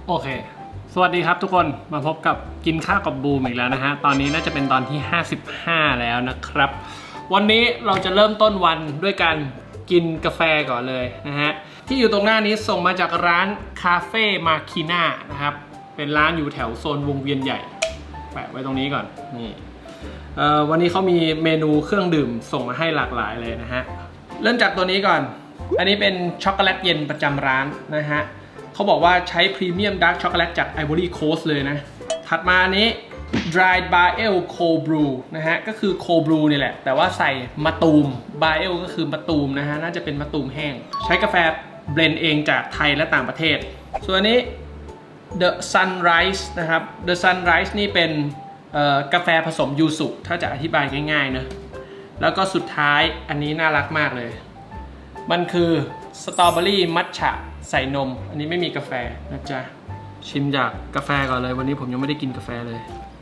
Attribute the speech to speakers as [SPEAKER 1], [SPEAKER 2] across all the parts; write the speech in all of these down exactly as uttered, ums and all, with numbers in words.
[SPEAKER 1] โอเคสวัสดีครับทุกคนมาพบกับกินข้าวกับบูมอีกแล้วนะฮะตอนนี้น่าจะเป็นตอนที่ห้าสิบห้าแล้วนะครับวันนี้เราจะเริ่มต้นวันด้วยการกินกาแฟก่อนเลยนะฮะที่อยู่ตรงหน้านี้ส่งมาจากร้านคาเฟ่มาคีน่านะครับเป็นร้านอยู่แถวโซนวงเวียนใหญ่แปะไว้ตรงนี้ก่อนนี่วันนี้เขามีเมนูเครื่องดื่มส่งมาให้หลากหลายเลยนะฮะเริ่มจากตัวนี้ก่อนอันนี้เป็นช็อกโกแลตเย็นประจำร้านนะฮะเขาบอกว่าใช้พรีเมียมดาร์กช็อกโกแลตจากไอวอรี่โคสต์เลยนะถัดมาอันนี้ dried barrel cold brew นะฮะก็คือ cold brew นี่แหละแต่ว่าใส่มะตูม barrel ก็คือมะตูมนะฮะน่าจะเป็นมะตูมแห้งใช้กาแฟเบลนด์เองจากไทยและต่างประเทศส่วนอันนี้ the sunrise นะครับ the sunrise นี่เป็นกาแฟผสมยูสุถ้าจะอธิบายง่ายๆนะแล้วก็สุดท้ายอันนี้น่ารักมากเลยมันคือสตรอเบอรี่มัทฉะใส่นมอันนี้ไม่มีกาแฟนะจ๊ะชิมจากกาแฟก่อนเลยวันนี้ผมยังไม่ได้กินกาแฟเลย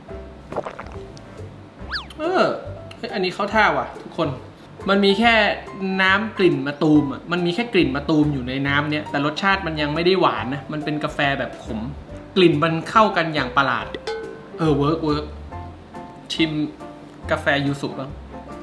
[SPEAKER 1] เอออันนี้เข้าท่าว่ะทุกคนมันมีแค่น้ำกลิ่นมะตูมอ่ะมันมีแค่กลิ่นมะตูมอยู่ในน้ำเนี้ยแต่รสชาติมันยังไม่ได้หวานนะมันเป็นกาแฟแบบขมกลิ่นมันเข้ากันอย่างประหลาดเออเวิร์กเวิร์กชิมกาแฟยูสุบ้าง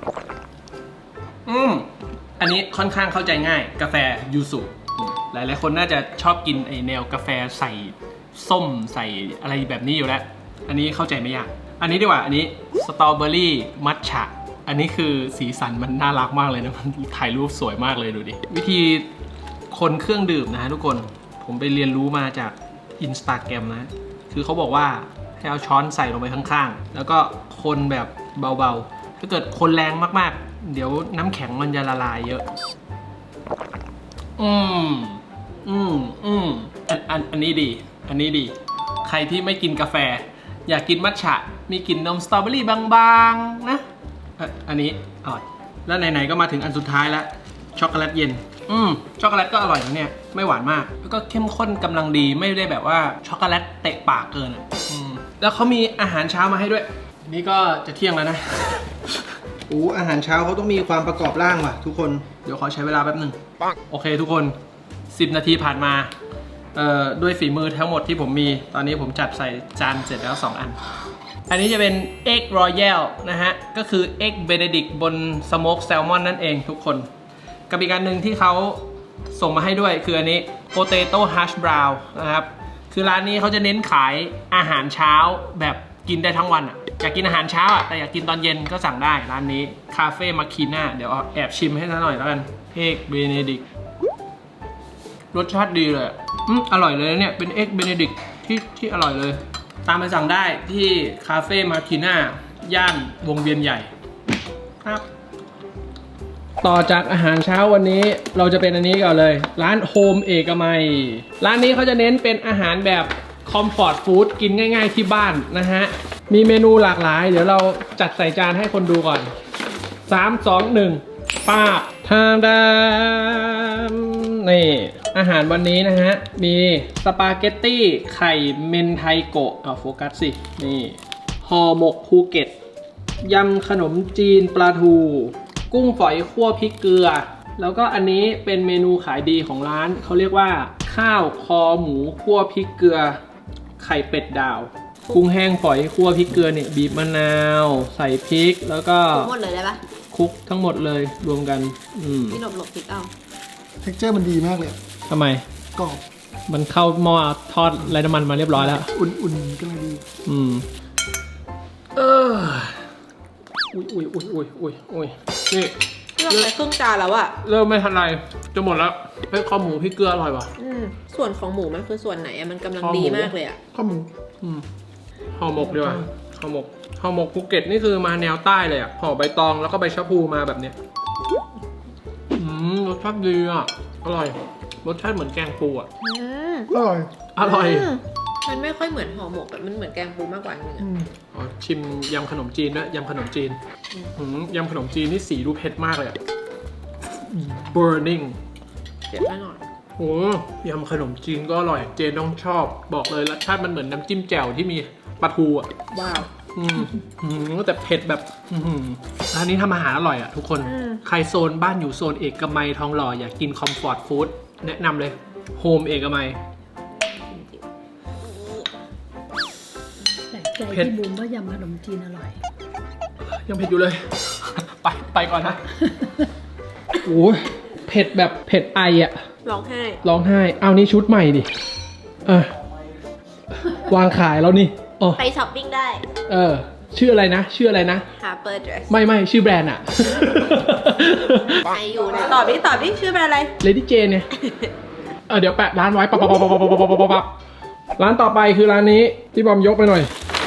[SPEAKER 1] อืมอันนี้ค่อนข้างเข้าใจง่ายกาแฟยูสุหลายๆคนน่าจะชอบกินไอแนวกาแฟใส่ส้มใส่อะไรแบบนี้อยู่แล้วอันนี้เข้าใจไม่ยากอันนี้ดีกว่าอันนี้สตรอเบอรี่มัทฉะอันนี้คือสีสันมันน่ารักมากเลยนะมันถ่ายรูปสวยมากเลยดูดิวิธีคนเครื่องดื่มนะฮะทุกคนผมไปเรียนรู้มาจาก Instagram นะคือเขาบอกว่าให้เอาช้อนใส่ลงไปข้างๆแล้วก็คนแบบเบาๆถ้าเกิดคนแรงมากๆเดี๋ยวน้ำแข็งมันจะละลายเยอะอืมอืมอืมอันอันอันนี้ดีอันนี้ดีใครที่ไม่กินกาแฟอยากกินมัทฉะมีกลิ่นนมสตรอเบอรี่บางๆนะอันนี้อร่อยแล้วไหนๆก็มาถึงอันสุดท้ายแล้วช็อกโกแลตเย็นอืมช็อกโกแลตก็อร่อยนะเนี่ยไม่หวานมากแล้วก็เข้มข้นกำลังดีไม่ได้แบบว่าช็อกโกแลตเตะปากเกินอ่ะอืมแล้วเขามีอาหารเช้ามาให้ด้วยนี่ก็จะเที่ยงแล้วนะโอ้อาหารเช้าเขาต้องมีความประกอบร่างว่ะทุกคนเดี๋ยวขอใช้เวลาแป๊บหนึ่งโอเคทุกคนสิบนาทีผ่านมาเอ่อด้วยฝีมือทั้งหมดที่ผมมีตอนนี้ผมจัดใส่จานเสร็จแล้วสองอันอันนี้จะเป็น Egg Royale นะฮะก็คือ Egg Benedict บน Smoke Salmon นั่นเองทุกคนกับอีกอันหนึ่งที่เขาส่งมาให้ด้วยคืออันนี้ Potato Hash Brown นะครับคือร้านนี้เขาจะเน้นขายอาหารเช้าแบบกินได้ทั้งวันอ่ะอยากกินอาหารเช้าอ่ะแต่อยากกินตอนเย็นก็สั่งได้ร้านนี้คาเฟ่มาคีน่าเดี๋ยวแอบชิมให้ซะหน่อยแล้วกัน Egg Benedict รสชาติดีเลยอืมอร่อยเลยเนี่ยเป็น Egg Benedict ที่ที่อร่อยเลยตามไปสั่งได้ที่คาเฟ่มาคีน่าย่านวงเวียนใหญ่ครับต่อจากอาหารเช้าวันนี้เราจะเป็นอันนี้ก่อนเลยร้านโฮมเอกมัยร้านนี้เขาจะเน้นเป็นอาหารแบบคอมฟอร์ตฟู้ดกินง่ายๆที่บ้านนะฮะมีเมนูหลากหลายเดี๋ยวเราจัดใส่จานให้คนดูก่อนสาม สอง หนึ่งป้าทาดามนี่อาหารวันนี้นะฮะมีสปาเกตตี้ไข่เมนไทโกะเอาโฟกัสสินี่ห่อหมกภูเก็ตยำขนมจีนปลาทูกุ้งฝอยคั่วพริกเกลือแล้วก็อันนี้เป็นเมนูขายดีของร้านเขาเรียกว่าข้าวคอหมูคั่วพริกเกลือไข่เป็ดดาวกุ้งแห้งฝอยคั่วพริกเกลือเนี่ยบีบมะนาวใส่พริกแล้วก็
[SPEAKER 2] หมดเลยได้ปะ
[SPEAKER 1] คลุกทั้งหมดเลยรวมกันอืม
[SPEAKER 2] พี่หลบหลบพริกเอา
[SPEAKER 3] เท็กเจอร์มันดีมากเลย
[SPEAKER 1] ทำไม
[SPEAKER 3] กรอบ
[SPEAKER 1] มันเข้าหม้อทอดไร้น้ำมันมาเรียบร้อยแล้ว
[SPEAKER 3] อุ่นๆก็เลยดี
[SPEAKER 1] อืมเอออุ้ยอุ้ยอุ้ยอุ้ยอุ้ยอุ้ยนี่
[SPEAKER 2] เราใส่ครึ่งจานแล้วอะ
[SPEAKER 1] เริ่มไม่ทันไรจะหมดแล้วเฮ้ยข้าวหมูพริกเกลืออร่อยป่ะ
[SPEAKER 2] อืมส่วนของหมูมันคือส่วนไหนอะมันกำลังดีมากเลยอะ
[SPEAKER 3] ข้าวหมู
[SPEAKER 1] อืมห่อหมกดีกว่าห่อหมกห่อหมกภูเก็ตนี่คือมาแนวใต้เลยอ่ะห่อใบตองแล้วก็ใบชะพูมาแบบเนี้ยอืมรสชาติดีอ่ะอร่อยรสชาติเหมือนแกงปูอ่ะ
[SPEAKER 2] อืม
[SPEAKER 3] อร่อย
[SPEAKER 1] อร่อย
[SPEAKER 2] มันไม่ค่อยเหมือนห่อหมกแบบมันเหมือนแกงปูมากกว่านึงอ่ะ
[SPEAKER 1] อ๋อชิมยำขนมจีนด้วยยำขนมจีนอืมยำขนมจีนนี่สีดูเผ็ดมากเลยอ่ะ burning
[SPEAKER 2] เผ็ดแน่นอน
[SPEAKER 1] โอ้ยำขนมจีนก็อร่อยเจนต้องชอบบอกเลยรสชาติมันเหมือนน้ำจิ้มแจ่วที่มีปลาทูอ่ะ
[SPEAKER 2] ว้าว
[SPEAKER 1] อืมอืมแต่เผ็ดแบบอืมร้านนี้ทำอาหารอร่อยอ่ะทุกคนใครโซนบ้านอยู่โซนเอกมัยทองหล่ออยากกินคอมฟอร์ตฟู้ดแนะนำเลยโฮมเอกมัย
[SPEAKER 4] ใจ
[SPEAKER 1] เผ็ด
[SPEAKER 4] ที่บูมว่ายำขนมจีนอร่อย
[SPEAKER 1] ยังเผ็ดอยู่เลย ไปไปก่อนนะโอ้ยเผ็ดแบบเผ็ดไออะ
[SPEAKER 2] ร้องไห้
[SPEAKER 1] ร้องไห้ เอานี่ชุดใหม่ดิเออวางขายแล้วนี่อ๋อ
[SPEAKER 2] ไปช้อปปิ้งได้
[SPEAKER 1] เออ ชื่ออะไรนะ ชื่ออะไรนะ
[SPEAKER 2] Harper Dress
[SPEAKER 1] ไม่ไม่ชื่อแบรนด์อะ
[SPEAKER 2] ไปอยู่นะตอบดิตอบดิชื่อแบรนด์อะไร
[SPEAKER 1] Lady Jane เนี่ยเออเดี๋ยวแปะร้านไว้ปั๊บปั๊บปั๊บปั๊บปั๊บปั๊บปั๊บปั๊บร้านต่อไปคือร้านนี้ที่บอมยกไปหน่อย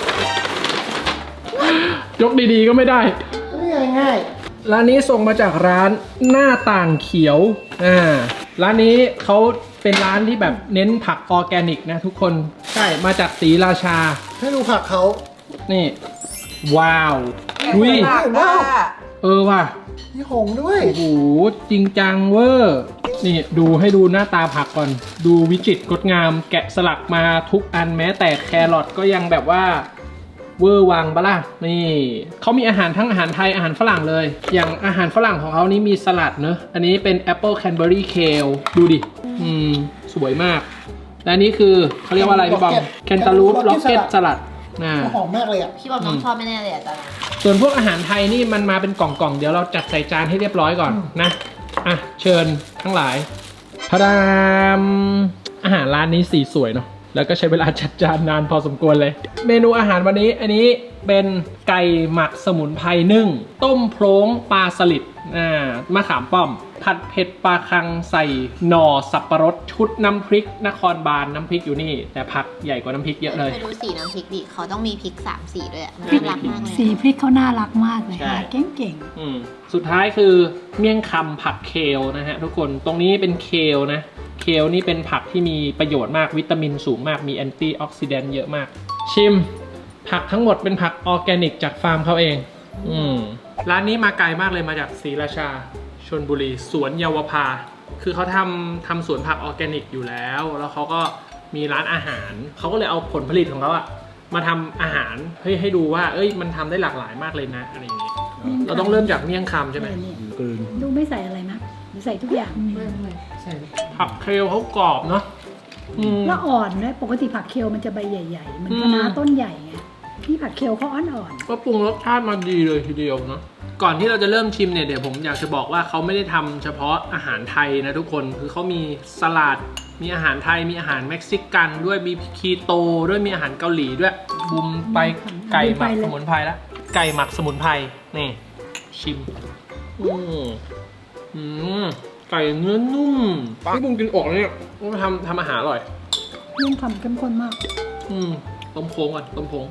[SPEAKER 1] ยกดีๆก็ไม่ได้
[SPEAKER 3] ง่ายง่าย
[SPEAKER 1] ร้านนี้ส่งมาจากร้านหน้าต่างเขียว อ่า ร้านนี้เขาเป็นร้านที่แบบเน้นผักออร์แกนิกนะทุกคน ใช่ มาจากศรีราชา
[SPEAKER 3] ให้ดูผักเขา
[SPEAKER 1] นี่ ว้าวอุ้ย
[SPEAKER 3] ว้าว
[SPEAKER 1] เออว่ะ
[SPEAKER 3] มีหงส์ด้วย
[SPEAKER 1] โอ้โห จริงจังเวอร์ นี่ดูให้ดูหน้าตาผักก่อน ดูวิจิตรงดงาม แกะสลักมาทุกอันแม้แต่แครอทก็ยังแบบว่าเวอร์วังปะล่ะ นี่เขามีอาหารทั้งอาหารไทยอาหารฝรั่งเลย อย่างอาหารฝรั่งของเขานี้มีสลัดเนอะอันนี้เป็นแอปเปิลแคนเบอรี่เคลดูดิ อืม สวยมาก และอันนี้คือเขาเรียกว่าอะไรพี่บอมแคนตาลูปล็อกเก็ตสลัดน่า
[SPEAKER 3] หอมมากเลยอ่ะ
[SPEAKER 2] พี่บอมน้องชอบไม่แน่เลยอ่ะตอนนี้
[SPEAKER 1] ส่วนพวกอาหารไทยนี่มันมาเป็นกล่องๆ เดี๋ยวเราจัดใส่จานให้เรียบร้อยก่อนนะ อ่ะ เชิญทั้งหลายพระดามอาหารร้านนี้สีสวยเนาะ แล้วก็ใช้เวลาจัดจานนานพอสมควรเลย เมนูอาหารวันนี้อันนี้เป็นไก่หมักสมุนไพรนึ่ง ต้มโพร้งปลาสลิด อ่ามะขามป้อม ผัดเผ็ดปลาคังใส่หน่อสับปะรดชุดน้ำพริกนครบาลน้ำพริกอยู่นี่ แต่ผักใหญ่กว่าน้ำพริกเยอะเลย
[SPEAKER 2] ไปดูสีน้ำพริกดิเขาต้องมีพริกสามสีด้วยอะน่ารักมากเลย
[SPEAKER 4] สีพริกเขาน่ารักมากเลย
[SPEAKER 1] ใช่
[SPEAKER 4] ค่ะเก่ง
[SPEAKER 1] อืมสุดท้ายคือเมี่ยงคำผักเคลนะฮะทุกคนตรงนี้เป็นเคลนะเคลนี่เป็นผักที่มีประโยชน์มากวิตามินสูงมากมีแอนตี้ออกซิแดนต์เยอะมาก ชิมผักทั้งหมดเป็นผักออร์แกนิกจากฟาร์มเขาเองอืมร้านนี้มาไกลมากเลยมาจากศรีราชาชลบุรีสวนเยาวภาคือเขาทำทำสวนผักออร์แกนิกอยู่แล้ว แล้วเขาก็มีร้านอาหารเขาก็เลยเอาผลผลิตของเขาอะมาทำอาหารให้ให้ดูว่าเอ้ยมันทำได้หลากหลายมากเลยนะอะไรอย่างเงี้ย
[SPEAKER 4] ๆ
[SPEAKER 1] เราต้องเริ่มจากเมี่ยงคำใช่ไหม
[SPEAKER 4] เนี่ยเนี่ยดูไม่ใส่อะไรนะหรือใส่ทุกอย่าง
[SPEAKER 1] ผักเคลเขากรอบเนาะอืม
[SPEAKER 4] แล้วอ่อนด้วยปกติผักเคลมันจะใบใหญ่ๆเหมือน
[SPEAKER 1] อืม
[SPEAKER 4] คะน้าต้นใหญ่ไงที่ผักเคลเขาอ่อน
[SPEAKER 1] ก็ปรุงรสชาติมาดีเลยทีเดียวเนาะก่อนที่เราจะเริ่มชิมเนี่ยเดี๋ยวผมอยากจะบอกว่าเขาไม่ได้ทำเฉพาะอาหารไทยนะทุกคนคือเขามีสลัดมีอาหารไทยมีอาหารเม็กซิกันด้วยมีคีโตด้วยมีอาหารเกาหลีด้วยบุมไปไก่หมักสมุนไพรแล้วไก่หมักสมุนไพรนี่ชิมอืมอืมไก่เนื้อนุ่มที่บุมกินออกเนี่ยมันทำทำอาหารอร่อย
[SPEAKER 4] ๆเมี่ยงคำเข้มข้นมาก
[SPEAKER 1] อืมต้มโค้งก่อนต้มโค้ง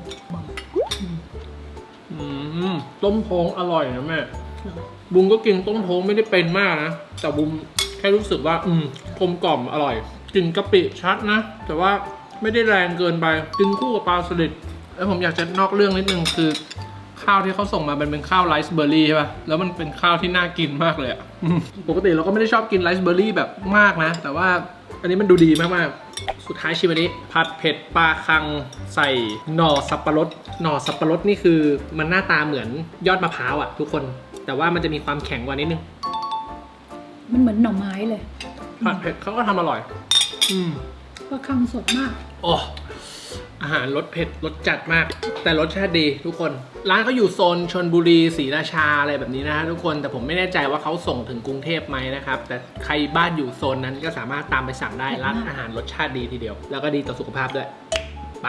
[SPEAKER 1] อืมต้มโค้งอร่อยนะแม่บุมก็กินต้มโค้งไม่ได้เป็นมากนะแต่บุมแค่รู้สึกว่าอืมกลมกล่อมอร่อยกลิ่นกะปิชัดนะแต่ว่าไม่ได้แรงเกินไปกินคู่กับปลาสลิดแล้วผมอยากจะนอกเรื่องนิดนึงคือ ข้าวที่เขาส่งมามันเป็นข้าวไรซ์เบอร์รี่ใช่ป่ะแล้วมันเป็นข้าวที่น่ากินมากเลยอะอืมปกติเราก็ไม่ได้ชอบกินไรซ์เบอร์รี่แบบมากนะแต่ว่าอันนี้มันดูดีมากๆสุดท้ายชิมอันนี้ผัดเผ็ดปลาคังใส่หน่อสับปะรดหน่อสับปะรดนี่คือมันหน้าตาเหมือนยอดมะพร้าวอะทุกคนแต่ว่ามันจะมีความแข็งกว่านิดนึง
[SPEAKER 4] มันเหมือนหน่อไม้เลย
[SPEAKER 1] ผัดเผ็ดเขาก็ทำอร่อย อืม
[SPEAKER 4] ก็คังสดมาก
[SPEAKER 1] โอ้อาหารรสเผ็ดรสจัดมาก แต่รสชาติดีทุกคน ร้านเขาอยู่โซนชลบุรีศรีราชาอะไรแบบนี้นะฮะทุกคนแต่ผมไม่แน่ใจว่าเขาส่งถึงกรุงเทพไหมนะครับแต่ใครบ้านอยู่โซนนั้นก็สามารถตามไปสั่งได้ร้านอาหารรสชาติดีทีเดียว แล้วก็ดีต่อสุขภาพด้วยไป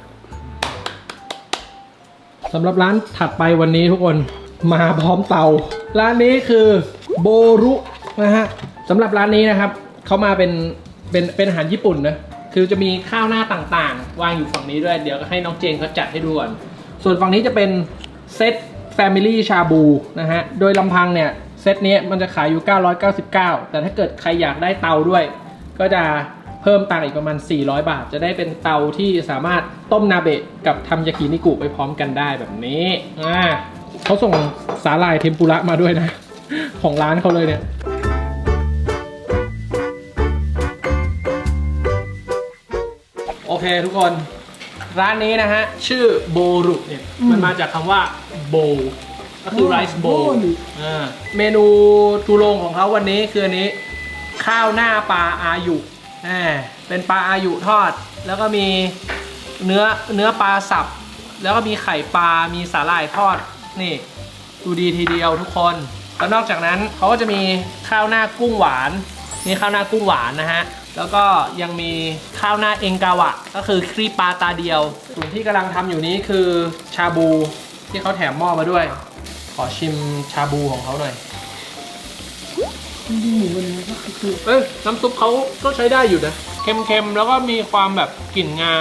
[SPEAKER 1] สำหรับร้านถัดไปวันนี้ทุกคนมาพร้อมเตา ร้านนี้คือโบรุนะฮะสำหรับร้านนี้นะครับเขามาเป็นเป็นเป็นอาหารญี่ปุ่นนะคือจะมีข้าวหน้าต่างๆวางอยู่ฝั่งนี้ด้วยเดี๋ยวก็ให้น้องเจนเขาจัดให้ดูก่อนส่วนฝั่งนี้จะเป็นเซต Family ชาบูนะฮะโดยลำพังเนี่ยเซตนี้มันจะขายอยู่เก้าร้อยเก้าสิบเก้าแต่ถ้าเกิดใครอยากได้เตาด้วยก็จะเพิ่มตังค์อีกประมาณสี่ร้อยบาทจะได้เป็นเตาที่สามารถต้มนาเบะกับทำยากินิกุไปพร้อมกันได้แบบนี้อ่าเขาส่งสาหร่ายเทมปุระมาด้วยนะของร้านเขาเลยเนี่ยโอเคทุกคนร้านนี้นะฮะชื่อโบรุเนี่ยมันมาจากคำว่าโบก็คือไรซ์โบเมนูทูโรงของเขาวันนี้คืออันนี้ข้าวหน้าปลาอายุเป็นปลาอายุทอดแล้วก็มีเนื้อเนื้อปลาสับแล้วก็มีไข่ปลา มีสาหร่ายทอด นี่ ดูดีทีเดียวทุกคน แล้วนอกจากนั้นเขาก็จะมีข้าวหน้ากุ้งหวาน นี่ข้าวหน้ากุ้งหวานนะฮะ แล้วก็ยังมีข้าวหน้าเองกาวะ ก็คือครีปลาตาเดียว ส่วนที่กำลังทำอยู่นี้คือชาบูที่เขาแถมหม้อมาด้วย ขอชิมชาบูของเขาหน่อย
[SPEAKER 3] หมูวันนี้ก็คือ
[SPEAKER 1] เอ้ยน้ำซุปเขาก็ใช้ได้อยู่นะ เค็มๆ แล้วก็มีความแบบกลิ่นงา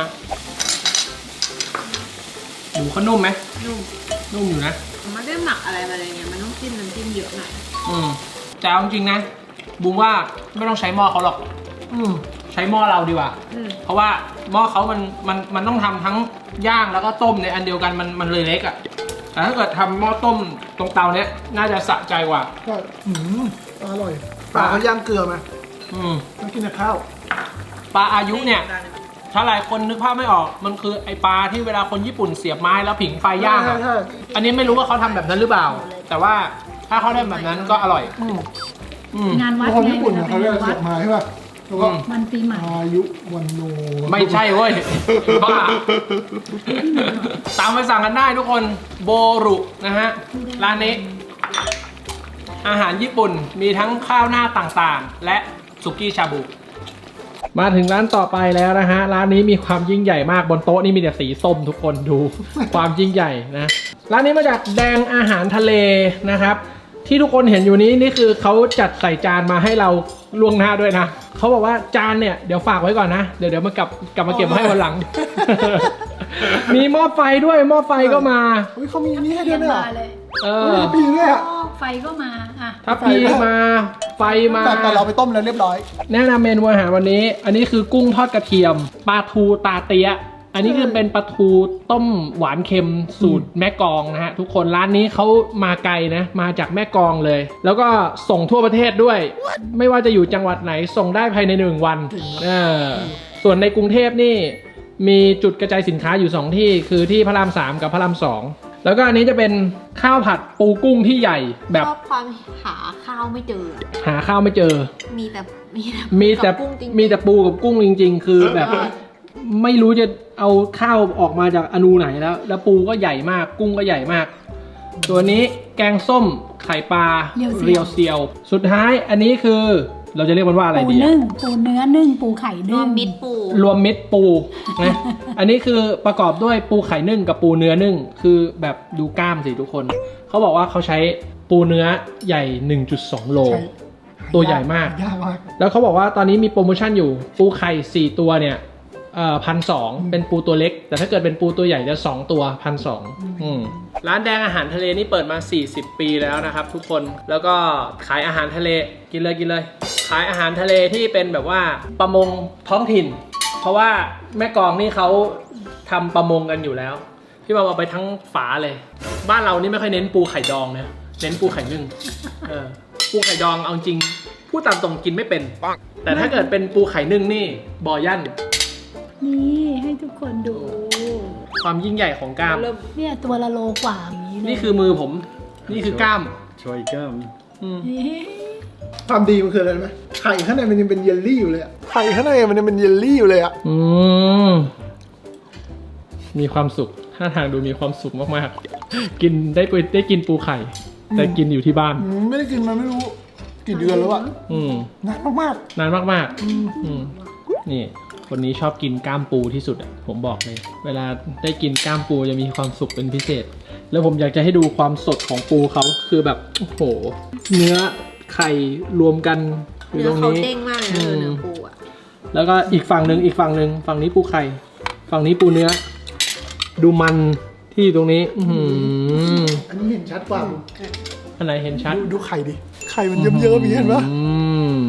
[SPEAKER 1] หมูเขานุ่มไหม
[SPEAKER 2] นุ่ม
[SPEAKER 1] นุ่มอยู่นะ
[SPEAKER 2] มันไม่ได้หมักอะไรมาเลยเนี่ยมันต้องจิ้มน้ำจิ้มเยอะหน่อย
[SPEAKER 1] อืมแต่เอาจริงๆนะบูมว่าไม่ต้องใช้หม้อเขาหรอก อืมใช้หม้อเราดีกว่า
[SPEAKER 2] อืม
[SPEAKER 1] เพราะว่าหม้อเขามันมันมันต้องทำทั้งย่างแล้วก็ต้มในอันเดียวกันมันมันเลยเล็กอะ่ะแต่ถ้าเกิดทำหม้อต้มตรงเตาเนี้ยน่าจะสะใจกว่า
[SPEAKER 3] ก็อืมอร่อยปลาเขาย่างเกลือไหม
[SPEAKER 1] อืม
[SPEAKER 3] ต้องกินกับข้าว
[SPEAKER 1] ปลาอายุเนี่ยถ้าหลายคนนึกภาพไม่ออกมันคือไอปลาที่เวลาคนญี่ปุ่นเสียบไม้แล้วผิงไฟย่าง
[SPEAKER 3] ใช่
[SPEAKER 1] อะ
[SPEAKER 3] ใช่
[SPEAKER 1] อันนี้ไม่รู้ว่าเขาทำแบบนั้นหรือเปล่า แต่ว่าถ้าเขาทำแบบนั้นก็อร่อย
[SPEAKER 3] อืม
[SPEAKER 1] อืม
[SPEAKER 4] งานวัด
[SPEAKER 3] คน
[SPEAKER 4] ไง
[SPEAKER 3] ญี่ปุ่นเนี่ยเขาเรียก
[SPEAKER 4] วั
[SPEAKER 3] เสี
[SPEAKER 4] ด
[SPEAKER 3] ยบไม้ใช่ป่ะแล้วก็
[SPEAKER 1] อืม
[SPEAKER 4] วันปีใหม่
[SPEAKER 3] อายุวันโน
[SPEAKER 1] ไม่ใช่เว้ยบ้าตามไปสั่งกันได้ทุกคนโบรุนะฮะร้านนี้ อาหารญี่ปุ่นมีทั้งข้าวหน้าต่างๆ และสุกี้ชาบู มาถึงร้านต่อไปแล้วนะฮะ ร้านนี้มีความยิ่งใหญ่มากบนโต๊ะนี่มีแต่สีส้มทุกคนดู ความยิ่งใหญ่นะ ร้านนี้มาจากแดงอาหารทะเลนะครับ ที่ทุกคนเห็นอยู่นี้นี่คือเขาจัดใส่จานมาให้เราล่วงหน้าด้วยนะเขาบอกว่าจานเนี่ยเดี๋ยวฝากไว้ก่อนนะเดี๋ยวเดี๋ยวมากลับกลับมาเก็บมาให้วันหลัง มีหม้อไฟด้วยหม้อไฟก็มา
[SPEAKER 3] เฮ้ยเขามีอันนี้ให้ด้วยเนี่ย
[SPEAKER 4] มาเลย
[SPEAKER 1] เอ
[SPEAKER 3] เอ
[SPEAKER 1] อ
[SPEAKER 3] อปีด้วยอ่ะ
[SPEAKER 4] ไฟก็มาอ่ะ
[SPEAKER 1] ถ้าพีมาไฟมา
[SPEAKER 3] แต่แต่เราไปต้มแล้วเรียบร้อย
[SPEAKER 1] แนะนำเมนูอาหารวันนี้ อันนี้คือกุ้งทอดกระเทียมปลาทูตาเตียะอันนี้คือเป็นปลาทูต้มหวานเค็มสูตรแม่กลองนะฮะทุกคนร้านนี้เขามาไกลนะมาจากแม่กลองเลย แล้วก็ส่งทั่วประเทศด้วย ไม่ว่าจะอยู่จังหวัดไหนส่งได้ภายในหนึ่งวันเออส่วนในกรุงเทพนี่มีจุดกระจายสินค้าอยู่สองที่คือที่พระรามสามกับพระรามสองแล้วก็อันนี้จะเป็นข้าวผัดปูกุ้งที่ใหญ่แบบ
[SPEAKER 2] ชอบความหาข้าวไม่เจอ
[SPEAKER 1] หาข้าวไม่เจอ
[SPEAKER 2] มีแต่มีแต่
[SPEAKER 1] มีแต่
[SPEAKER 2] กับกุ้งจริงๆ
[SPEAKER 1] มีแต่ปูกับกุ้งจริง ๆ คือแบบ
[SPEAKER 2] เออ
[SPEAKER 1] ไม่รู้จะเอาข้าวออกมาจากอนูไหนแล้ว แล้วปูก็ใหญ่มากกุ้งก็ใหญ่มาก ตัวนี้แกงส้มไข่ปลาเรียวเซียว สุดท้ายอันนี้คือเราจะเรียกมันว่าอะไร
[SPEAKER 4] ปู
[SPEAKER 1] ดีอะ
[SPEAKER 4] นึ่งปูเนื้อนึ่งปูไข่
[SPEAKER 2] ร
[SPEAKER 4] นึ่
[SPEAKER 2] ว
[SPEAKER 4] ง
[SPEAKER 2] มมิตรปู
[SPEAKER 1] รวมมิตรปูนะ อันนี้คือประกอบด้วยปูไข่นึ่งกับปูเนื้อนึ่งคือแบบดูกล้ามสิทุกคนเขาบอกว่าเขาใช้ปูเนื้อใหญ่ หนึ่งจุดสอง โล
[SPEAKER 3] ใช่
[SPEAKER 1] ตัวใหญ่มาก
[SPEAKER 3] ยากมาก
[SPEAKER 1] แล้วเขาบอกว่าตอนนี้มีโปรโมชั่นอยู่ปูไข่สี่ตัวเนี่ยเอ่อพันสองเป็นปูตัวเล็ก แต่ถ้าเกิดเป็นปูตัวใหญ่จะสองตัวพันสองร้านแดงอาหารทะเลนี่เปิดมาสี่สิบปีแล้วนะครับทุกคนแล้วก็ขายอาหารทะเลกินเลยกินเลย ขายอาหารทะเลที่เป็นแบบว่าประมงท้องถิ่น เพราะว่าแม่กลองนี่เขาทำประมงกันอยู่แล้วพี่บอมเอาไปทั้งฝาเลย บ้านเรานี่ไม่ค่อยเน้นปูไข่ดองนะเน้นปูไข่นึ่งเออปูไข่ดองเอาจริงพูดตามตรงกินไม่เป็นแต่ถ้าเกิดเป็นปูไข่นึ่งนี่บ่อยั่น
[SPEAKER 4] นี่ให้ทุกคนดู
[SPEAKER 1] ความยิ่งใหญ่ของกล้าม
[SPEAKER 2] เริ่ม
[SPEAKER 4] เนี่ยตัวละโลกว่าอย่างนี้เลย
[SPEAKER 1] นี่คือมือผม นี่คือกล้าม
[SPEAKER 5] ช่วยกล้าม
[SPEAKER 1] อืม
[SPEAKER 4] นี่
[SPEAKER 3] ความดีมันคืออะไรรู้ไหมไข่ข้างในมันยังเป็นเยลลี่อยู่เลยอะไข่ข้างในมันยังเป็นเยลลี่อยู่เลยอะ
[SPEAKER 1] อืมมีความสุขท่าทางดูมีความสุขมากๆ กินได้ไปได้กินปูไข่ แต่กินอยู่ที่บ้าน
[SPEAKER 3] อืมไม่ได้กินมาไม่รู้กี่เดือนแล้วอะ
[SPEAKER 1] อืม
[SPEAKER 3] นานมาก
[SPEAKER 1] นานมากๆอืมนี่ คนนี้ชอบกินกล้ามปูที่สุดอะผมบอกเลย เวลาได้กินกล้ามปูจะมีความสุขเป็นพิเศษ แล้วผมอยากจะให้ดูความสดของปูเขาคือแบบโอ้โหเนื้อไข่รวมกันอยู่
[SPEAKER 2] เนื้
[SPEAKER 1] ต
[SPEAKER 2] อ
[SPEAKER 1] รง
[SPEAKER 2] เขา
[SPEAKER 1] นี้
[SPEAKER 2] เด้งมากเลยนะเออเนื้อปูอ่ะ
[SPEAKER 1] แล้วก็อีกฝั่งหนึ่งอีกฝั่งหนึ่งฝั่งนี้ปูไข่ ฝั่งนี้ปูเนื้อ ดูมันที่อยู่ตรงนี้ อือหือ
[SPEAKER 3] ๆ อันนี้เห็นชัดกว่า
[SPEAKER 1] อันไหนเห็นชัด
[SPEAKER 3] ดูดูไข่ดิ ไข่มันเยิ้มๆอย่างนี้เห็นปะ
[SPEAKER 1] อืม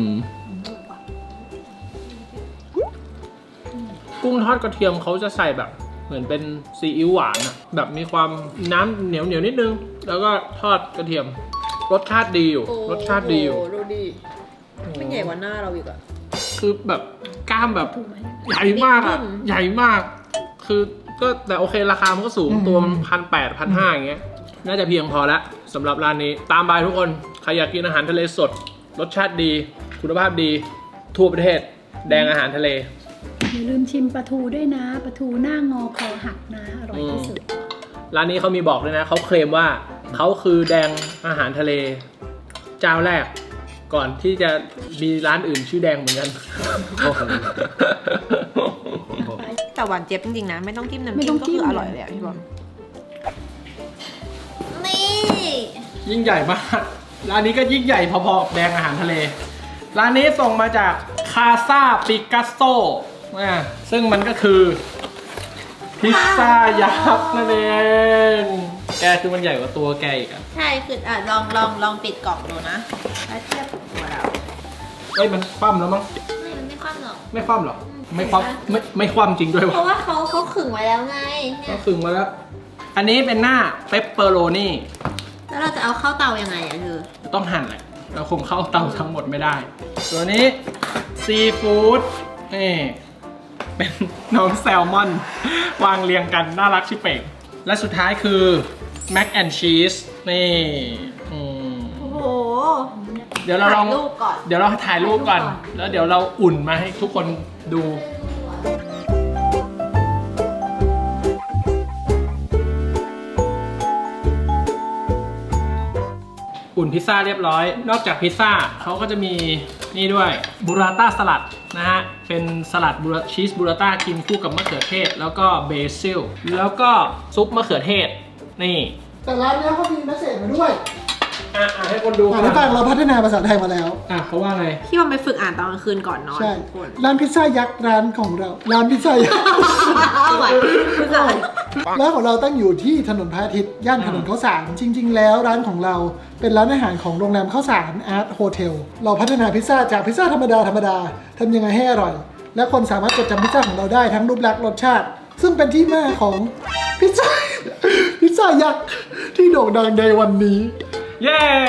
[SPEAKER 1] กุ้งทอดกระเทียมเขาจะใส่แบบ เหมือนเป็นซีอิ๊วหวานอะแบบมีความน้ำเหนียวเหนียวๆนิดนึง แล้วก็ทอดกระเทียม รสชาติดีอยู่
[SPEAKER 2] โอ้
[SPEAKER 1] รสชาติดีอยู่
[SPEAKER 2] โดูดิไม่ใหญ่กว่าหน้าเราอีกอ่ะ
[SPEAKER 1] คือแบบกล้ามแบบ
[SPEAKER 4] ถูกไหม
[SPEAKER 1] ใหญ่มากอะ
[SPEAKER 2] อืม
[SPEAKER 1] ใหญ่มาก คือก็แต่โอเคราคามันก็สูงตัวมันพันแปดพันห้าอย่างเงี้ย น่าจะเพียงพอแล้วสำหรับร้านนี้ ตามไปทุกคน ใครอยากกินอาหารทะเลสด รสชาติดี คุณภาพดี ทั่วประเทศ แดงอาหารทะเล
[SPEAKER 4] อย่าลืมชิมปลาทูด้วยนะปลาทูหน้างอคอหักนะ อร่อยที่สุด
[SPEAKER 1] ร้านนี้เขามีบอกด้วยนะเขาเคลมว่าเขาคือแดงอาหารทะเลเจ้าแรกก่อนที่จะมีร้านอื่นชื่อแดงเหมือนกัน
[SPEAKER 2] แต่หวานเจี๊ยบจริงๆนะไม่ต้องจิ้มน้ำ
[SPEAKER 4] ไม่
[SPEAKER 2] จิ้
[SPEAKER 4] ต้
[SPEAKER 2] ม
[SPEAKER 4] อง
[SPEAKER 2] ก็
[SPEAKER 4] จิ้ม
[SPEAKER 2] คืออร่อยเลยอ่ะพี่บอลนี่
[SPEAKER 1] ยิ่งใหญ่มากร้านนี้ก็ยิ่งใหญ่พอๆกับแดงอาหารทะเลร้านนี้ส่งมาจากคาซาปิกัสโซซึ่งมันก็คือพิซซ่ายักษ์นั่นเองแกคือมันใหญ่กว่าตัวแกอีกอะ
[SPEAKER 2] ใช่คืออ่ะลองลองลองปิดกล่องดูนะแล้วเทียบกับตัวเรา
[SPEAKER 1] เอ้ยมันคว่ำแล้วมั้ง
[SPEAKER 2] ไม่มันไม่คว่ำหรอก
[SPEAKER 1] ไม่คว่ำหรอไม่คว่ำไม่ไม่คว่ำจริงด้วย
[SPEAKER 2] เพ
[SPEAKER 1] วะ
[SPEAKER 2] ราะว่าเขาเขาขึงไว้แล้วไงเนี่
[SPEAKER 1] ก็
[SPEAKER 2] ย
[SPEAKER 1] คึงมาแล้วอันนี้เป็นหน้าเปปเปอโรนี่
[SPEAKER 2] แล้วเราจะเอาเข้าเตายังไงอ่ะคือ
[SPEAKER 1] ต้องหั่นแหละเราคงเข้าเตาทั้งหมดไม่ได้ตัวนี้ซีฟู้ดนี่เป็นน้องแซลมอนวางเรียงกันน่ารักชิเป่งและสุดท้ายคือแม็กแอนชีสนี่อืม
[SPEAKER 2] โอ้โห
[SPEAKER 1] เดี๋ยวเราลอง
[SPEAKER 2] ถ่ายรูปก่อน
[SPEAKER 1] เดี๋ยวเราถ่ายรูปก่อน แล้วเดี๋ยวเราอุ่นมาให้ทุกคนดูอุ่นพิซซ่าเรียบร้อย นอกจากพิซซ่าเขาก็จะมีนี่ด้วยบูราต้าสลัดนะฮะ เป็นสลัดบูราชีสบูราต้ากินคู่กับมะเขือเทศ แล้วก็เบซิล แล้วก็ซุปมะเขือเทศ นี่
[SPEAKER 3] แต่ร้านเนี้ยเขามีเมสเสจมาด้วย
[SPEAKER 1] อ่ะอ่ะให้คนดู
[SPEAKER 3] อ่านให้ฟังเราพัฒนาภาษาไทยมาแล้ว
[SPEAKER 1] อ่ะเขาว่าไง
[SPEAKER 2] พี่บอลไปฝึกอ่านตอนกลางคืนก่อนนอน
[SPEAKER 3] ใช่
[SPEAKER 2] ทุกคน
[SPEAKER 3] ร้านพิซซ่ายักษ์ร้านของเรา ร้านพิซซ่ายักษ์
[SPEAKER 2] เอาไว้คืออะไร
[SPEAKER 3] ร้านของเราตั้งอยู่ที่ถนนพระอาทิตย์ย่านถนนข้าวสารจริง ๆ แล้วร้านของเราเป็นร้านอาหารของโรงแรมข้าวสารอาร์ตโฮเทลเราพัฒนาพิซซ่าจากพิซซ่าธรรมดาธรรมดาทำยังไงให้อร่อย และคนสามารถจดจำพิซซ่าของเราได้ทั้งรูปลักษณ์รสชาติ ซึ่งเป็นที่มาของพิซซ่า พิซซ่ายักษ์ที่โด่งดังในวันนี้
[SPEAKER 1] เย้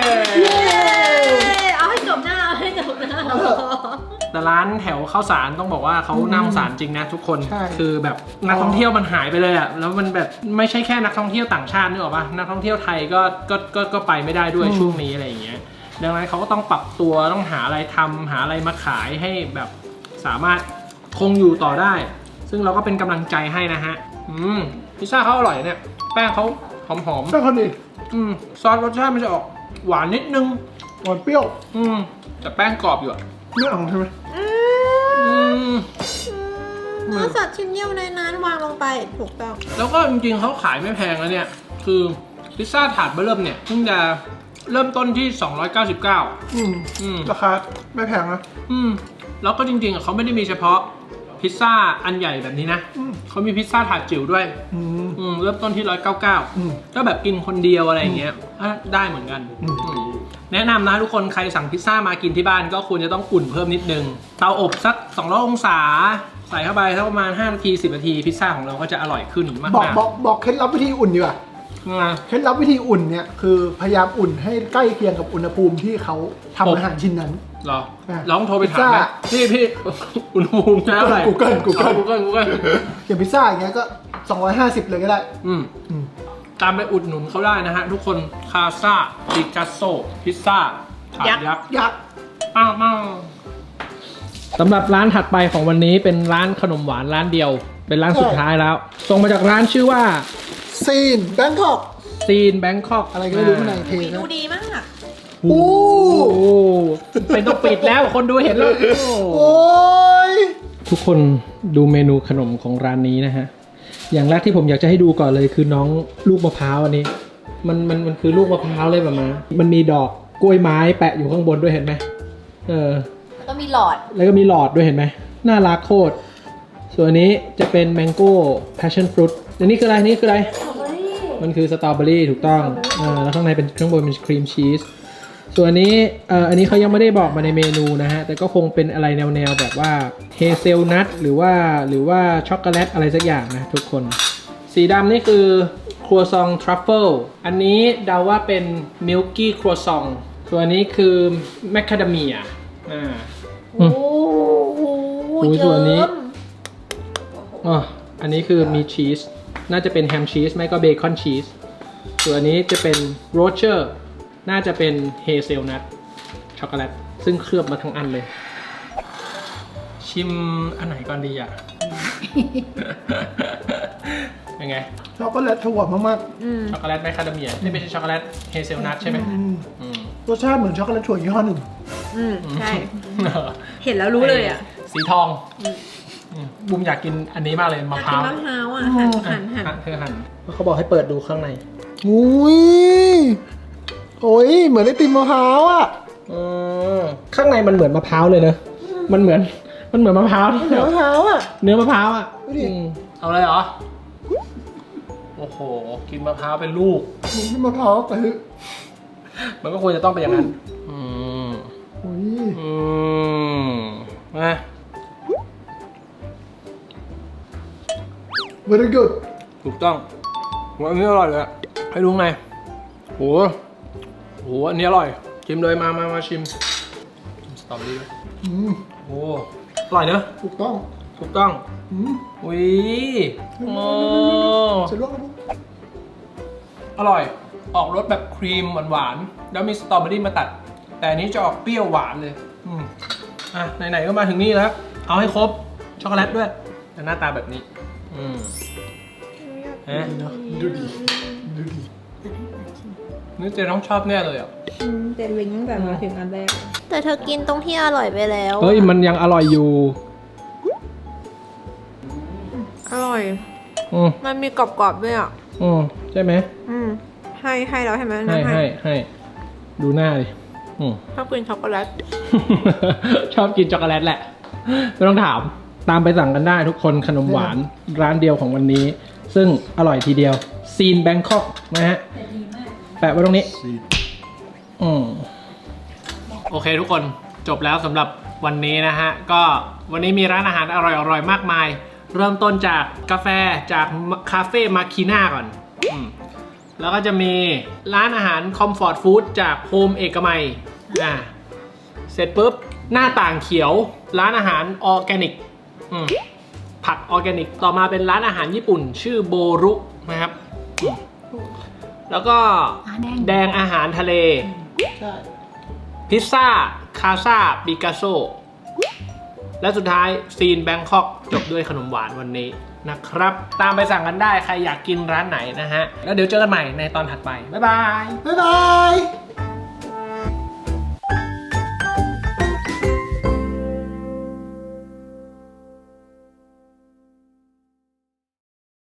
[SPEAKER 2] เอาให้จบหน้าเอาให้จบหน้า
[SPEAKER 1] แต่ร้านแถวข้าวสารต้องบอกว่าเขาน่าสงสารจริงนะทุกคน
[SPEAKER 3] ใช่
[SPEAKER 1] คือแบบนักท่องเที่ยวมันหายไปเลยอะแล้วมันแบบไม่ใช่แค่นักท่องเที่ยวต่างชาตินึกออกปะนักท่องเที่ยวไทยก็ก็ก็ก็ไปไม่ได้ด้วยช่วงนี้อะไรอย่างเงี้ยดังนั้นเขาก็ต้องปรับตัวต้องหาอะไรทำหาอะไรมาขายให้แบบสามารถคงอยู่ต่อได้ ซึ่งเราก็เป็นกำลังใจให้นะฮะอืมพิซซ่าเขาอร่อยเนี่ยแป้งเขาหอม
[SPEAKER 3] แป้งข้าวเหนียว
[SPEAKER 1] ๆอืมซอสรสชาติมันจะออกหวานนิดนึง
[SPEAKER 3] หวานเปรี้ยว
[SPEAKER 1] อืมแต่แป้งกรอบอยู่อะ
[SPEAKER 3] ไม่เอาใช่ไหม
[SPEAKER 1] อืม
[SPEAKER 2] เนื้อสัตว์ชิ้นเดียวในนั้นวางลงไปถูกต้อง
[SPEAKER 1] แล้วก็จริงๆเขาขายไม่แพงแล้วเนี่ย คือพิซซ่าถาดเบอร์เริ่มเนี่ยเพิ่งจะเริ่มต้นที่สองร้อยเก้าสิบเก้า
[SPEAKER 3] อืม
[SPEAKER 1] อืม
[SPEAKER 3] ราคาไม่แพงนะ
[SPEAKER 1] อืมแล้วก็จริงๆอ่ะเขาไม่ได้มีเฉพาะพิซซ่าอันใหญ่แบบนี้นะ
[SPEAKER 3] อืม
[SPEAKER 1] เขามีพิซซ่าถาดจิ๋วด้วย
[SPEAKER 3] อืม
[SPEAKER 1] อืมเริ่มต้นที่หนึ่งร้อยเก้าสิบเก้า
[SPEAKER 3] อืม
[SPEAKER 1] ก็แบบกินคนเดียวอะไรอย่างเงี้ยอ่ะได้เหมือนกัน
[SPEAKER 3] อืม
[SPEAKER 1] อืมแนะนำนะทุกคนใครสั่งพิซซ่ามากินที่บ้านก็ควรจะต้องอุ่นเพิ่มนิดนึงเตาอบสักสองร้อยองศาใส่เข้าไปสักประมาณห้านาทีสิบนาทีพิซซ่าของเราก็จะอร่อยขึ้นมาก
[SPEAKER 3] บอก
[SPEAKER 1] ๆ
[SPEAKER 3] บอกบอกเคล็ดลับวิธีอุ่นดีกว่า
[SPEAKER 1] นะ
[SPEAKER 3] เคล็ดลับวิธีอุ่นเนี่ยคือพยายามอุ่นให้ใกล้เคียงกับอุณหภูมิที่เขาทำอาหารชิ้นนั้น
[SPEAKER 1] เหรอ
[SPEAKER 3] อ่ะ
[SPEAKER 1] ลองโทรไปถามไหม
[SPEAKER 3] พิซซ่า
[SPEAKER 1] พี่พี่ อุณหภูมิใช้อะไร
[SPEAKER 3] Google Google
[SPEAKER 1] กูเกิลกูเกิล
[SPEAKER 3] อย่างพิซซ่าอย่างเงี้ยก็สองร้อยห้าสิบเลยก็ได้
[SPEAKER 1] อืม
[SPEAKER 3] อืม
[SPEAKER 1] ตามไปอุดหนุนเขาได้นะฮะ ทุกคนคาซาปิกัสโซพิซซ่าถาดยักษ์
[SPEAKER 3] ยักษ์
[SPEAKER 1] ป้าป้าสำหรับร้านถัดไปของวันนี้เป็นร้านขนมหวานร้านเดียว เป็นร้านสุดท้ายแล้วส่งมาจากร้านชื่อว่า
[SPEAKER 3] ซีนแบงคอก
[SPEAKER 1] ซีนแบงคอก
[SPEAKER 3] อะไรก็ไม่รู้ข้างในเพล
[SPEAKER 2] เม
[SPEAKER 3] ง
[SPEAKER 2] นู
[SPEAKER 3] นะ
[SPEAKER 2] ดีมาก
[SPEAKER 1] โอ้โหเป็นต้องปิดแล้วคนดูเห็นแล้ว
[SPEAKER 3] โอ้ย
[SPEAKER 1] ทุกคนดูเมนูขนมของร้านนี้นะฮะ อย่างแรกที่ผมอยากจะให้ดูก่อนเลยคือน้องลูกมะพร้าวอันนี้ มันมันมันคือลูกมะพร้าวเลยแบบมามันมีดอกกล้วยไม้แปะอยู่ข้างบนด้วยเห็นไหมเออ
[SPEAKER 2] แล้วก็มีหลอด
[SPEAKER 1] แล้วก็มีหลอดด้วยเห็นไหมน่ารักโคตร ส่วนอันนี้จะเป็นแมงโก้ passion fruit อันนี้คืออะไรนี่คืออะไร มันคือสตรอเบอรี่ถูกต้องอ่าแล้วข้างในเป็นข้างบนเป็นครีมชีส ส่วนอันนี้เอ่ออันนี้เขายังไม่ได้บอกมาในเมนูนะฮะ แต่ก็คงเป็นอะไรแนวๆแบบว่าเฮเซลนัทหรือว่าหรือว่าช็อกโกแลตอะไรสักอย่างนะทุกคน สีดำนี่คือครัวซองทรัฟเฟิลอันนี้เดาว่าเป็นมิลกี้ครัวซองส่วนอันนี้คือแมคคาเดเมียอ่า
[SPEAKER 2] โอ้โห
[SPEAKER 1] อุ้ยส่วนนี้ อ๋ออันนี้คือมีชีส น่าจะเป็นแฮมชีสไม่ก็เบคอนชีส ส่วนอันนี้จะเป็นโรเชอร์ น่าจะเป็นเฮเซลนัทช็อกโกแลต ซึ่งเคลือบมาทั้งอันเลย ชิมอันไหนก่อนดีอ่ะ ยังเป็นไง
[SPEAKER 3] ช็อกโกแลตถั่วมาก
[SPEAKER 2] อืม
[SPEAKER 1] ช็อกโกแลตไมคาเดเมียที่ไม่ใช่ช็อกโกแลตเฮเซลนัทใช่ไหม
[SPEAKER 3] ๆอืม
[SPEAKER 1] อืม
[SPEAKER 3] รสชาติเหมือนช็อกโกแลตถั่วยี่ห้อหนึ่ง
[SPEAKER 2] อืมใช่ เห็นแล้วรู้เลยอ่ะ
[SPEAKER 1] สีทอง
[SPEAKER 2] อืม
[SPEAKER 1] อืมบุมอยากกินอันนี้มากเลยมะพ
[SPEAKER 2] กิ
[SPEAKER 1] ร้าน ว
[SPEAKER 2] มะพร้าวอ่ะหั่นหั่นหั่น
[SPEAKER 1] หั่นเธอหั่นเขาบอกให้เปิดดูข้างใน
[SPEAKER 3] อุ้ยโอ้ยเหมือนไอติมมะพร้าวอ่ะ
[SPEAKER 1] อืมข้างในมันเหมือนมะพร้าวเลยเนอะมันเหมือนมันเหมือนมะพร้าว
[SPEAKER 3] เหมือนมะพร้าวอ่ะ
[SPEAKER 1] เนื้อมะพร้าวอ่ะ
[SPEAKER 3] ดูดิ
[SPEAKER 1] อืมเอาเลยเหรอ โอ้โห กินมะพร้าวเป็นลูก
[SPEAKER 3] เหมือนที่มะพร้าวแต่คือ
[SPEAKER 1] มันก็ควรจะต้องเป็นอย่างนั้น อืม
[SPEAKER 3] โอ้ย
[SPEAKER 1] อืมนะ
[SPEAKER 3] very good
[SPEAKER 1] ถูกต้องว่าอันนี้อร่อยเลยอะให้ดูไงโหโหอันนี้อร่อย ชิมเลยมามามาชิมสตรอเบอรี่ด้วย
[SPEAKER 3] อืม
[SPEAKER 1] โอ้อร่อยเนอะ
[SPEAKER 3] ถูกต้อง
[SPEAKER 1] ถูกต้อง
[SPEAKER 3] อืม
[SPEAKER 1] อุ้ยโอ้
[SPEAKER 3] เสร็จแล้วครับผม
[SPEAKER 1] อร่อย ออกรสแบบครีมหวานๆ แล้วมีสตรอเบอรี่มาตัด แต่อันนี้จะออกเปรี้ยวหวานเลย อืมอ่ะ ไหนๆ ก็มาถึงนี่แล้ว เอาให้ครบ ช็อกโกแลตด้วยแต่หน้าตาแบบนี้ อืมเอ๊ะ
[SPEAKER 3] เนาะดูดีดูดี
[SPEAKER 1] นี่เจน้องชอบแน่เลยอ่ะ
[SPEAKER 2] เจนลิงตั้งแต่มาถึงอันแรก
[SPEAKER 5] แต่เธอกินตรงที่อร่อยไปแล้ว
[SPEAKER 1] เฮ้ย มันยังอร่อยอยู่
[SPEAKER 2] อร่อย
[SPEAKER 1] อืม
[SPEAKER 2] มันมีกรอบๆด้วยอ่ะ
[SPEAKER 1] อืมใช่ไหม
[SPEAKER 2] อืมให้ให้แล้วใช่ไหม
[SPEAKER 1] ให้
[SPEAKER 2] น้ำ
[SPEAKER 1] ให้ให้ ดูหน้าดิ อืม
[SPEAKER 2] ชอบกินช็อกโกแลต
[SPEAKER 1] ชอบกินช็อกโกแลตแหละ ไม่ต้องถาม ตามไปสั่งกันได้ทุกคนขนมหวานร้านเดียวของวันนี้ ซึ่งอร่อยทีเดียวซีนแบงคอกนะฮะ
[SPEAKER 4] แต่ดีมาก
[SPEAKER 1] แปะไว้ตรงนี้ อืมโอเคทุกคนจบแล้วสำหรับวันนี้นะฮะ ก็วันนี้มีร้านอาหารอร่อยๆ มากมาย เริ่มต้นจากกาแฟจากคาเฟ่มาคีน่าก่อนอืมแล้วก็จะมีร้านอาหารคอมฟอร์ตฟู้ดจากโฮมเอกมัยอ่าเสร็จปุ๊บ หน้าต่างเขียวร้านอาหารออร์แกนิกอืมผักออร์แกนิก ต่อมาเป็นร้านอาหารญี่ปุ่น ชื่อโบรุนะครับอืมแล้วก็
[SPEAKER 4] อ่าแดง
[SPEAKER 1] แดงอาหารทะเล
[SPEAKER 3] ใช่
[SPEAKER 1] พิซซ่า คาซาปิกัสโซ และสุดท้ายซีนแบงคอกจบด้วยขนมหวานวันนี้นะครับ ตามไปสั่งกันได้ใครอยากกินร้านไหนนะฮะ แล้วเดี๋ยวเจอกันใหม่ในตอนถัดไป บ๊ายบาย
[SPEAKER 3] บ๊ายบาย